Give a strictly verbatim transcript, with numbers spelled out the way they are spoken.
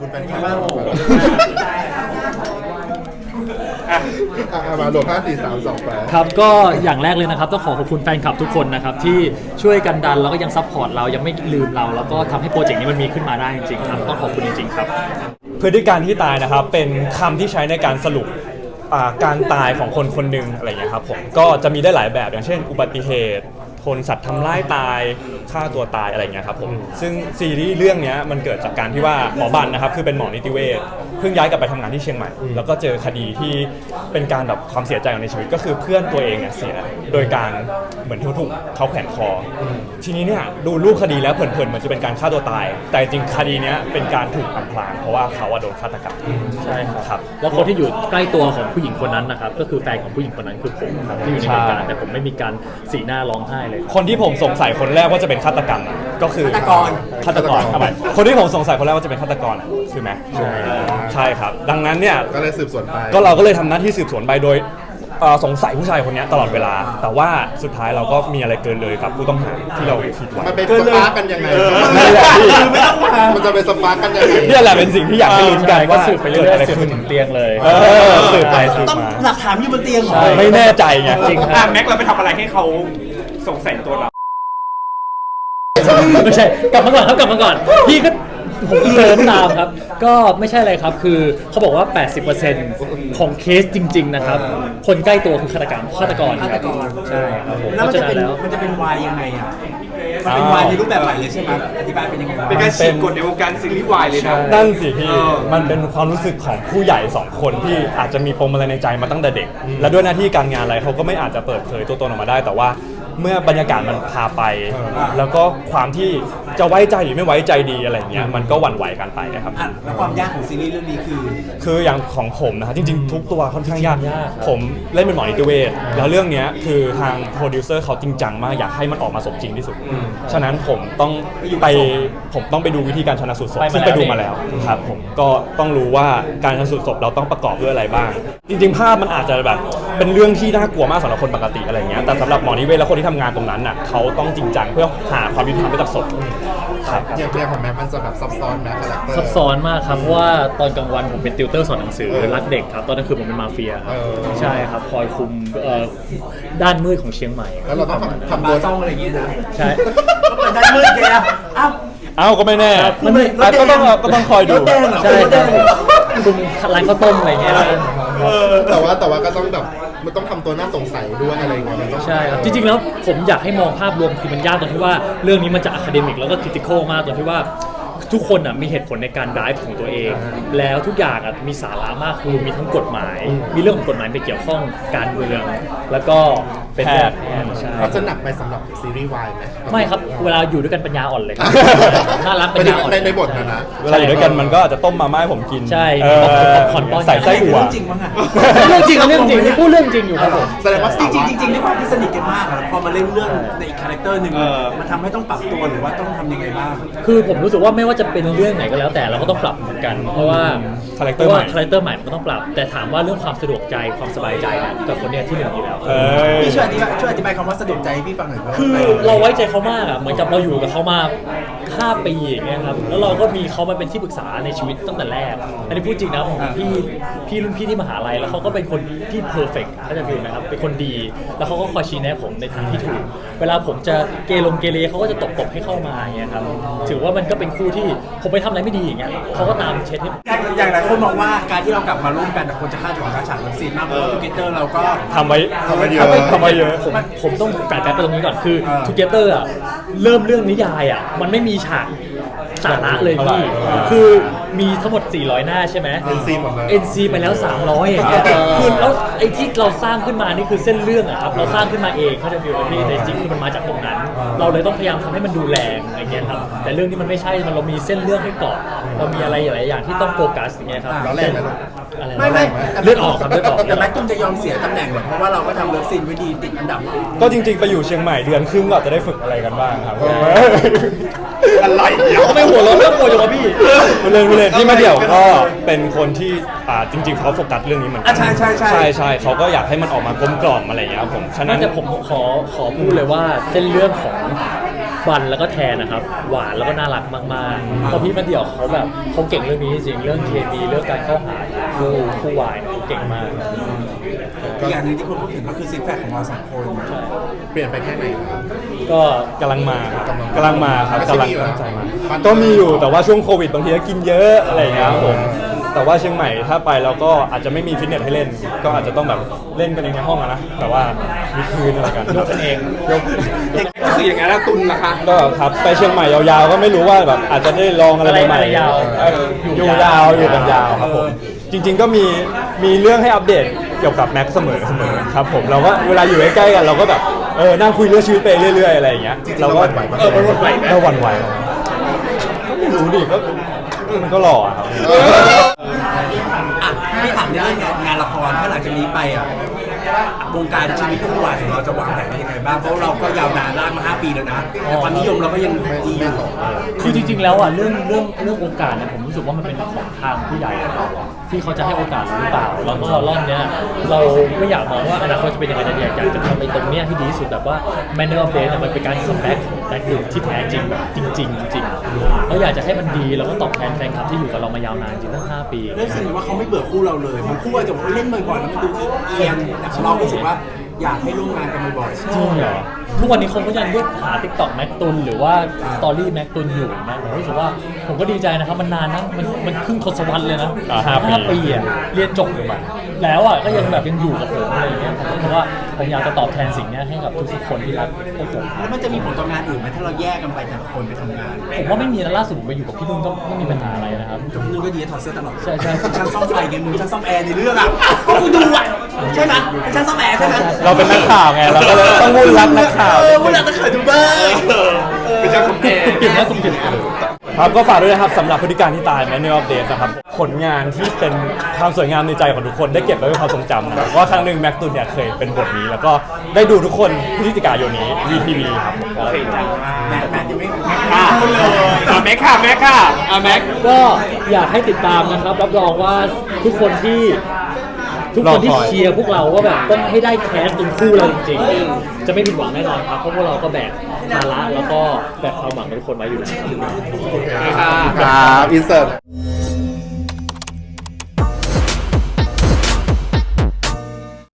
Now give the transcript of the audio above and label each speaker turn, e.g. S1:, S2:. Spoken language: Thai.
S1: คุณแฟนคลับอ่ะมาโหลดห้าสี่สามสองแปด
S2: ครับก็อย่างแรกเลยนะครับต้องขอขอบคุณแฟนคลับทุกคนนะครับที่ช่วยกันดันแล้วก็ยังซัพพอร์ตเรายังไม่ลืมเราแล้วก็ทำให้โปรเจกต์นี้มันมีขึ้นมาได้จริงๆครับต้องขอบคุณจริงๆครับ
S3: พฤติการที่ตายนะครับเป็นคำที่ใช้ในการสรุปการตายของคนคนหนึ่งอะไรอย่างเงี้ยครับผมก็จะมีได้หลายแบบอย่างเช่นอุบัติเหตุทนสัตว์ทำร้ายตายฆ่าตัวตายอะไรอย่างเงี้ยครับผมซึ่งซีรีส์เรื่องนี้มันเกิดจากการที่ว่าหมอบันนะครับคือเป็นหมอนิติเวชเพิ่งย้ายกลับไปทำงานที่เชียงใหม่แล้วก็เจอคดีที่เป็นการแบบความเสียใจในชีวิตก็คือเพื่อนตัวเองเนี่ยเสียโดยการเหมือนถูกเขาแขวนคอทีนี้เนี่ยดูรูปคดีแล้วเผินๆมันจะเป็นการฆ่าตัวตายแต่จริงคดีนี้เป็นการถูกอำพรางเพราะว่าเขาโดนฆาตกรรม
S2: ใช่ครับแล้วคนที่อยู่ใกล้ตัวของผู้หญิงคนนั้นนะครับก็คือแฟนของผู้หญิงคนนั้นคือผมครับที่อยู่ในเหตุการณ์แต่ผมไม่มีการสีหน้าร้องไห้เลย
S3: คนที่ผมสงสัยคนแรกว่าจะเป็นฆาตกรรมก็คือฆาตกรฆาตกรทำไมคนที่ผมสงสัยคนแรกว่าจะเป็นฆาตกรคือแม็กใช่ใช่ครับดังนั้นเนี่ย
S1: ก็เลยสืบสวนไป
S3: ก็เราก็เลยทำหน้าที่สืบสวนไปโดยสงสัยผู้ชายคนนี้ตลอดเวลาแต่ว่าสุดท้ายเราก็มีอะไรเกินเลยกับผู้ต้องหาที่เราคิดไว้
S1: มันเป็นสปาร์กกันยังไง
S3: นั่นแหละพี่
S1: มันจะเป็นสปาร์กกันยังไง
S3: นี่แหละเป็นสิ่งที่อยากให้ลุ้นกันว่า
S2: สืบไปเรื่อยๆสืบถึงเตียงเลย
S3: สืบไปสืบมา
S4: หลักฐานอยู่บนเตียง
S3: ไม่แน่ใจไง
S5: จริงแม็กเราไปทำอะไรให้เขาสงสัยตัวเรา
S2: ไม่ใช่กลับมาก่อนครับกลับมาก่อนพี่ก็ผมเติมตามครับก็ไม่ใช่อะไรครับคือเขาบอกว่า แปดสิบเปอร์เซ็นต์ ของเคสจริงๆนะครับคนใกล้ตัวคือฆาตกรรมฆาตกร
S4: ฆาตกร
S2: ใช่ครับผม
S4: แล้วมันจะเป็นมันจะเป็นวายยังไงอ่ะมันเป็นวายในรูปแบบใหม่เลยใช่ไหมอธิบายเป็นยังไง
S5: เป็นการฉีกกฎในวงการซีรีส์วายเลยนะ
S3: นั่นสิพี่มันเป็นความรู้สึกของผู้ใหญ่สองคนที่อาจจะมีปมอะไรในใจมาตั้งแต่เด็กและด้วยหน้าที่การงานอะไรเขาก็ไม่อาจจะเปิดเผยตัวตนออกมาได้แต่ว่าเมื่อบรรยากาศมันพาไปแล้วก็ความที่จะไว้ใจหรือไม่ไว้ใจดีอะไรเงี้ยมันก็หวั่นไหวกันไปนะครับ
S4: แล้วความยากของซีรีส์เรื่องนี้คือ
S3: คืออย่างของผมนะครับจริงๆทุกตัวค่อนข้างยากผมเล่นเป็นหมอนิติเวชแล้วเรื่องนี้คือทางโปรดิวเซอร์เขาจริงจังมากอยากให้มันออกมาสมจริงที่สุดฉะนั้นผมต้องไปผมต้องไปดูวิธีการชันสูตรศพซึ่งไปดูมาแล้วครับผมก็ต้องรู้ว่าการชันสูตรศพเราต้องประกอบด้วยอะไรบ้างจริงๆภาพมันอาจจะแบบเป็นเรื่องที่น่ากลัวมากสำหรับคนปกติอะไรเงี้ยแต่สำหรับหมอนิติเวชและคนที่ทำงานตรงนั้นน่ะเขาต้องจริงจังเพื่อหาความยุติธรรมให้กับศพ
S1: ครับอย่างเรื่องของแม็กมันจะแบบซับซ้อนนะคาแรคเตอร์
S2: ซับซ้อนมากครับเพราะว่าตอนกลางวันผมเป็นติวเตอร์สอนหนังสือรักเด็กครับตอนกลางคืนผมเป็นมาเฟียครับใช่ครับคอยคุมด้านมืดของเชียงใหม่
S1: แล้วเราต้อง
S4: ทำบาร์ซ่องอะไรอย่างงี้นะ
S2: ใช่
S4: ก็เป็นด้านมืดแกอ้าว
S3: อ้าวก็ไม่แน่ก็ต้องก็ต้องคอยดู
S2: ใช่คุมร้านข้าวต้มอะไรเงี้ย
S1: แต่ว่าแต่ว่าก็ต้องแบบมันต้องทำตัวน่าสงสัยด้วยอะไรอย่างเงี้ยมันต้อง
S2: ใช่ครับจริงๆแล้วผมอยากให้มองภาพรวมคือมันยากตรงที่ว่าเรื่องนี้มันจะอะคาเดมิกแล้วก็คริติคอลมากตรงที่ว่าทุกคนอ่ะมีเหตุผลในการไดฟ์ของตัวเองแล้วทุกอย่างอ่ะมีสาระมากคือมีทั้งกฎหมายมีเรื่องของกฎหมายไปเกี่ยวข้องการเมืองแล้วก็เป็นแพทย์ใช่
S1: เขาจะหนักไปสำหรับซีรีส์วายไหม
S2: ไม่ครับเวลาอยู่ด้วยกันปัญญาอ่อนเลยน่ารักปัญญาอ่อน
S1: ในบทนะนะ
S3: เวลาอยู่ด้วยกันมันก็อาจจะต้มมาม่าให้ผมกิน
S2: ใช่คอนป้อน
S3: ใส่ไส้อั่ว
S4: จริงมั้งอ่ะ
S2: เรื่องจริงเรื่องจริงพูดเรื่องจริงอยู่ครับผม
S4: แสดงว่าจริงจริงจริงด้วยความที่สนิทกันมากพอมาเล่นเรื่องในอีกคาแรคเตอร์หนึ่งมันทำให้ต้องปรับตัวหรือว่าต้องทำยังไงบ้าง
S2: คือผมรู้สึกว่าไม่ว่าจะเป็นเรื่องไหนก็แล้วแต่เราก็ต้องปรับเหมือนกันเพราะว่า
S3: คาแรคเตอร์ใหม่
S2: คาแรคเตอร์ใหม่มันก็ต้องปรับแต่ถามว่าเรื่องความสะดวกใจความสบายใจเนี่ยกับคนเนี้ยที่หนึ่งอยู่แล้ว
S4: พี่ช่วยอธิบายช่วยอธิบายคำว่าสะดวกใจพี่ฟังหน่อย
S2: คือเราไว้ใจเขามากอ่ะเหมือนกับเราอยู่กับเขามาห้าปีอย่างเงี้ยครับแล้วเราก็มีเขามาเป็นที่ปรึกษาในชีวิตตั้งแต่แรกอันนี้พูดจริงนะผมพี่พี่รุ่นพี่ที่มหาลัยแล้วเขาก็เป็นคนที่เพอร์เฟกต์เขาจะฟีลนะครับเป็นคนดีแล้วเขาก็คอยชี้แนะผมในทางที่ถูกเวลาผมจะเกลงเกเรเขาก็จะตบตบให้เข้ามาอย่างเงี้ยครับถือว่ามันก็เป็นคู่ที่ผมไปทำอะไรไม่ดีอย่างเงี้ยเขาก็ตามเช็ดให้
S4: อย่างหลายคนมองว่าการที่เรากลับมาร่วมกันคนจะคาดหวังการฉากซีนมากเพราะว่าทูเกเตอร์เราก็
S3: ทำไว้
S1: ทำไว้เยอะ
S3: ทำไว้เยอะ
S2: ผมผมต้องกลับไปตรงนี้ก่อนคือทูเกเตอร์อ่ะเริ่มเรื่องนิยายอ่ะมันไม่มีฉากสาระเลยพี่คือมีทั้งหมดสี่ร้อยหน้าใช่ไหม
S1: เอ็น ซี หมดเลย
S2: เอ็น ซี ไปแล้วสามร้อยอย่างเงี้ยคือแล้วไอ้ที่เราสร้างขึ้นมานี่คือเส้นเรื่องอะครับเราสร้างขึ้นมาเองเขาจะฟีลแบบนี้แต่จริงคือมันมาจากตรงนั้นเราเลยต้องพยายามทำให้มันดูแรงอะไรเงี้ยครับแต่เรื่องนี้มันไม่ใช่มันเรามีเส้นเรื่องให้เกาะเรามีอะไรหลายอย่างที่ต้องโฟกัสอย่างเงี้ยครับ
S1: เราแรกไหม
S4: ไม่ไม่
S2: เลือดออกครับเลือดออก
S4: แต่แม็กตุ้มจะยอมเสียตำแหน่งหรอเพราะว่าเราก็ทำเลิฟซีนไว้ดีติดอันดับ
S3: ก็จริงๆไปอยู่เชียงใหม่เดือนครึ่งก็จะได้ฝึกอะไรกันบ้างครับ
S5: อะไร
S2: ทำไมหัวเราะเรื่องโวยจังวะพี่
S3: เล่นเล่นพี่มาเดี่ยวก็เป็นคนที่อ่าจริงๆเขาโฟกัสเรื่องนี้เหมือนกั
S4: นใช่ใช่ใช่
S3: ใช่ใช่เขาก็อยากให้มันออกมากลมกล่อมอะไรอย่างเงี้ยผม
S2: ฉะนั้นจะผมขอขอพูดเลยว่าเส้นเรื่องของบบันแล้วก็แทนนะครับหวานแล้วก็น่ารักมากๆเพราะพี่มาเดี่ยวเขาแบบเขาเก่งเรื่องนี้จริงเรื่องเคมีเรื่องการเข้าหาคู่คู่วายเนี่ยเขาเก่งมาก
S4: อีกอย่างหนึงที่คนพูดถึงก็คือซิกแพคของเราสองคน
S1: เปลี่ยนไปแค่ไหนครับ
S2: ก็
S3: กำลังมาครับ
S1: กำลัง
S3: กำลังมาครับ
S1: ไม่ใช่
S3: กำลัง
S1: มีอยู่แล้ว
S3: ตั้งใจมาก็มีอยู่แต่ว่าช่วงโควิดบางทีก็กินเยอะอะไรอย่างเงี้ยครับผมแต่ว่าเชียงใหม่ถ้าไปเราก็อาจจะไม่มีฟิตเนสให้เล่น ก็อาจจะต้องแบบเล่นกันเองในห้องอะนะแต่ว่าวิดพื้นอะไรกัน
S2: ยกกันเอง
S3: ยก
S5: รู้สึกอย่างนั้นแล้วตุนนะคะ
S3: ก็ครับไปเชียงใหม่ยาวๆก็ไม่รู้ว่าแบบอาจจะได้ลองอะไรใหม่
S2: อะไรยาว
S3: ๆเอออยู่ยาวอยู่กันยาวครับผมจริง ๆก็มีมีเรื่องให้อัปเดตเกี่ยวกับแม็กซ์เสมอเสมอครับผมเราก็เวลาอยู่ใกล้ๆกันเราก็แบบเออนั่งคุยเรื่องชีวิตไปเรื่อยๆอะไรอย่างเงี้ย
S1: จริงๆ
S3: เราก็
S1: เราหวั่นไหวไหม
S3: เออมันหวั่นไหวไหมเราหวั่นไหวไหมก็ไม่รู้ดิก็มันก็หล่ออะครับ
S4: อ่ะไม่ถามเรื่องงานละครถ้าหลังจากนี้ไปอ่ะวงการชีวิตคู่วายของเราจะวางแผนไว้ยังไงบ้างเพราะเราก็ยาวนานลากมาห้าปีแล้วนะแต่ความนิยมเราก็ยังดีอยู่
S2: คือจริงๆแล้วอ่ะเรื่องเรื่องเรื่องโอกาสเนี่ยผมรู้สึกว่ามันเป็นของทางผู้ใหญ่อะครับที่เขาจะให้โอกาสเราหรือเปล่าแล้วก็รอบเนี้ยเราไม่อยากมองว่าอนาคตจะเป็นยังไงแต่อยากอยากจะทำในตรงเนี้ยให้ดีที่สุดแบบว่า Manner of Day เนี่ยมันเป็นการคัมแบ็กของแบ็คดูที่แท้จริงแบบจริงๆจริงๆแล้วอยากจะให้มันดีแล้วก็ตอบแทนแฟนคลับที่อยู่กับเรามายาวนานจริงตั้งห้าปี
S4: รู้สึกว่าเขาไม่เบื่อคู่เราเลยมันคู่อาจจะบอกว่าเล่นบ่อยๆแล้วมันดูเอียงแต่เรารู้สึกว่าอยากให้ร่วมงานกันบ่อยๆ
S2: จริงเหรอทุกวันนี้คนก็ยังเรียกหา TikTok แม็กตุนหรือว่าสตอรี่แม็กตุนอยู่นะผมรู้สึกว่าผมก็ดีใจนะครับมันนานนะมันมันครึ่งทศวรรษเลยนะ
S3: อ่าห้าปี
S2: ปีอ่ะเรียนจบมาแล้วอ่ะก็ยังแบบยังอยู่กับผมอะไรอย่างเงี้ยผมก็รู้สึกว่าผมอยากจะตอบแทนสิ่งเนี้ยให้กับทุกๆคนที่รักพวกผม
S4: แล้วมันจะมีผลต่องานอื่นไหมถ้าเราแยกกันไปแต่ละคนไปทำงาน
S2: ผมว่าไม่มีนะล่าสุดผมไปอยู่กับพี่นุ่นก็ไม่มีปัญหาอะไรนะครับ
S4: กับนึงก็ดีถอดเสื้อตลอด
S2: ใช่ใช่
S4: ช่างซ่อมไฟไงมึงช่างซ่อมแอร์ในเรื่องอ่ะก็กูดูอ่ะใช่ไหมเป็นช่างซ่อมแอร์ใช่ไหม
S3: เราเป็นนักข่าวไงเราก็เลยต้องวุ่นรับนักข่าว
S4: เออวุ่นรับนักข่าวดูบ้าง
S5: เป็นเจ้าของแอร์
S2: กลิ่นนะกลิ่น
S3: ครับก็ฝากด้วยนะครับสำหรับพฤติการที่ตาย Manner of Death นะครับผลงานที่เป็นความสวยงามในใจของทุกคนได้เก็บไว้เป็นความทรงจำนะครับว่าครั้งหนึ่งแม็กตุนเนี่ยเคยเป็นบทนี้ แล้วก็ได้ดูทุกคนพฤศจิกายนนี้ วี ที วี ครับ
S5: โอเคจ้า
S4: แม่แม่ยังไม่
S5: อ่ะอ่ะแม็กค่ะแม็กค่ะอ่ะแม็ก
S2: ก็อยากให้ติดตามนะครับรับรองว่าทุกคนที่ทุกคนที่
S3: รอคอย
S2: เชียร์พวกเราว่าแบบต้องให้ได้แคสเป็นคู่เราจริงๆจะไม่ผิดหวังแน่นอนครับเพราะพวกเราก็แบกภาระแล้วก็แบกความหวังของทุกคนไว้อยู่แล้ว
S5: ค่ะ
S1: ครับอินเสิร์ต